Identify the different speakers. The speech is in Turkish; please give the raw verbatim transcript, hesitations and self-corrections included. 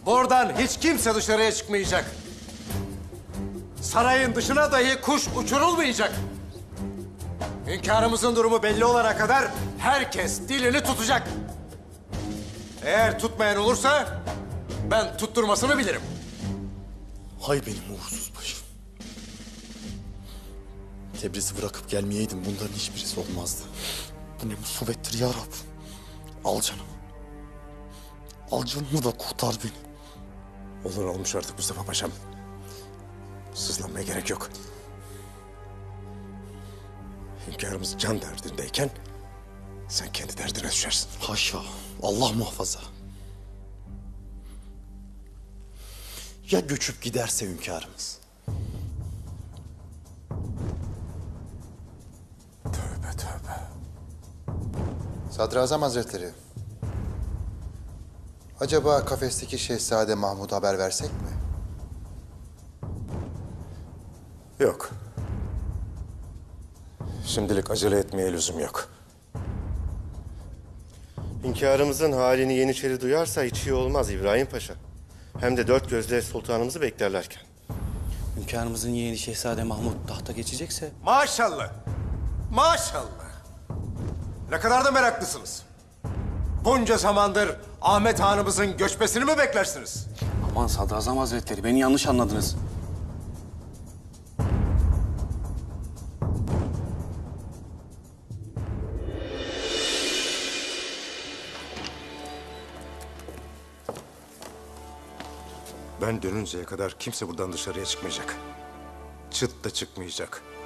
Speaker 1: Buradan hiç kimse dışarıya çıkmayacak. Sarayın dışına dahi kuş uçurulmayacak. Hünkârımızın durumu belli olana kadar herkes dilini tutacak. Eğer tutmayan olursa ben tutturmasını bilirim.
Speaker 2: Hay benim uğursuz başım. Tebriz'i bırakıp gelmeyeydim bunların hiçbirisi olmazdı. Bu ne musibettir ya Rab. Al canımı. Al canımı da kurtar beni.
Speaker 1: Olur olmuş artık Mustafa Paşam. Sızlanmaya gerek yok. Hünkârımız can derdindeyken sen kendi derdine düşersin.
Speaker 2: Haşa. Allah muhafaza. Ya göçüp giderse hünkârımız?
Speaker 1: Tövbe tövbe.
Speaker 3: Sadrazam Hazretleri, acaba kafesteki Şehzade Mahmud'a haber versek mi?
Speaker 1: Yok. Şimdilik acele etmeye lüzum yok.
Speaker 4: Hünkârımızın halini Yeniçeri duyarsa hiç iyi olmaz İbrahim Paşa. Hem de dört gözle sultanımızı beklerlerken.
Speaker 5: Hünkârımızın yeğeni Şehzade Mahmut tahta geçecekse...
Speaker 1: Maşallah. Maşallah. Ne kadar da meraklısınız. Bunca zamandır Ahmet Hanımızın göçmesini mi beklersiniz?
Speaker 5: Aman Sadrazam Hazretleri, beni yanlış anladınız.
Speaker 1: Ben dönünceye kadar kimse buradan dışarıya çıkmayacak. Çıt da çıkmayacak.